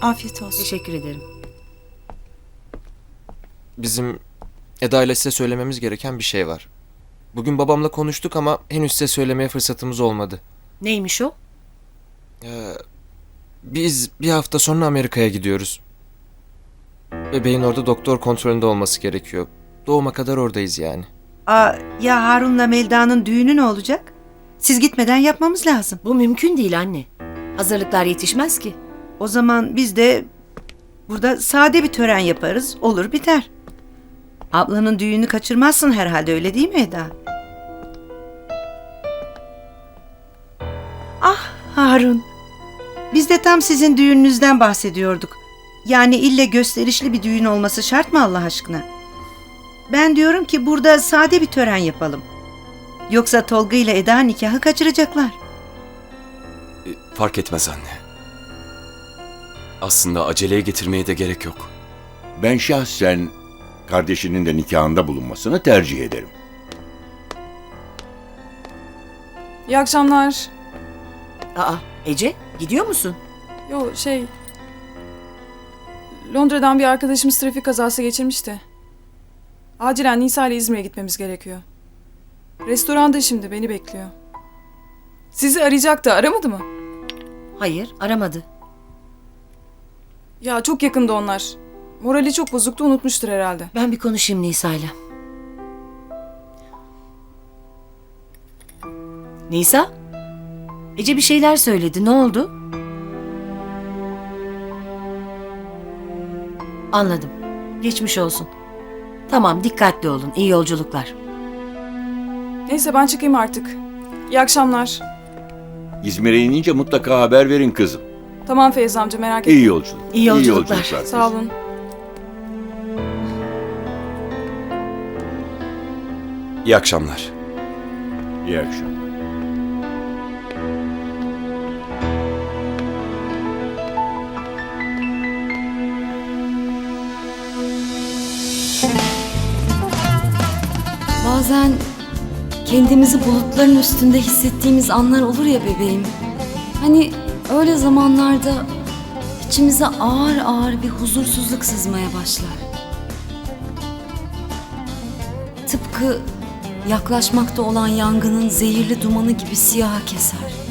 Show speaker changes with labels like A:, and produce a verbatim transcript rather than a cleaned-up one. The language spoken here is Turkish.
A: Afiyet olsun.
B: Teşekkür ederim.
C: Bizim Eda ile size söylememiz gereken bir şey var. Bugün babamla konuştuk ama henüz size söylemeye fırsatımız olmadı.
B: Neymiş o?
C: Ee, biz bir hafta sonra Amerika'ya gidiyoruz. Bebeğin orada doktor kontrolünde olması gerekiyor. Doğuma kadar oradayız yani.
D: Aa, ya Harun'la Melda'nın düğünü ne olacak? Siz gitmeden yapmamız lazım.
B: Bu mümkün değil anne. Hazırlıklar yetişmez ki.
D: O zaman biz de burada sade bir tören yaparız. Olur biter. Ablanın düğünü kaçırmazsın herhalde, öyle değil mi Eda? Ah Harun. Biz de tam sizin düğününüzden bahsediyorduk. Yani ille gösterişli bir düğün olması şart mı Allah aşkına? Ben diyorum ki burada sade bir tören yapalım. Yoksa Tolga ile Eda nikahı kaçıracaklar.
E: E, Fark etmez anne. Aslında aceleye getirmeye de gerek yok.
F: Ben şahsen kardeşinin de nikahında bulunmasını tercih ederim.
G: İyi akşamlar.
B: Aa, Ece gidiyor musun?
G: Yo şey... Londra'dan bir arkadaşımız trafik kazası geçirmişti. Acilen Nisa ile İzmir'e gitmemiz gerekiyor. Restoranda şimdi beni bekliyor. Sizi arayacaktı, aramadı mı?
B: Hayır, aramadı.
G: Ya çok yakında onlar. Morali çok bozuktu, unutmuştur herhalde.
B: Ben bir konuşayım Nisa'yla. Nisa? Ece bir şeyler söyledi. Ne oldu? Anladım. Geçmiş olsun. Tamam, dikkatli olun. İyi yolculuklar.
G: Neyse ben çıkayım artık. İyi akşamlar.
F: İzmir'e inince mutlaka haber verin kızım.
G: Tamam Feyza amca, merak etme.
F: İyi yolculuk.
B: İyi yolculuklar.
F: kızım.
G: Sağ olun.
E: İyi akşamlar.
F: İyi akşamlar.
H: Bazen kendimizi bulutların üstünde hissettiğimiz anlar olur ya bebeğim. Hani öyle zamanlarda içimize ağır ağır bir huzursuzluk sızmaya başlar. Tıpkı yaklaşmakta olan yangının zehirli dumanı gibi siyaha keser.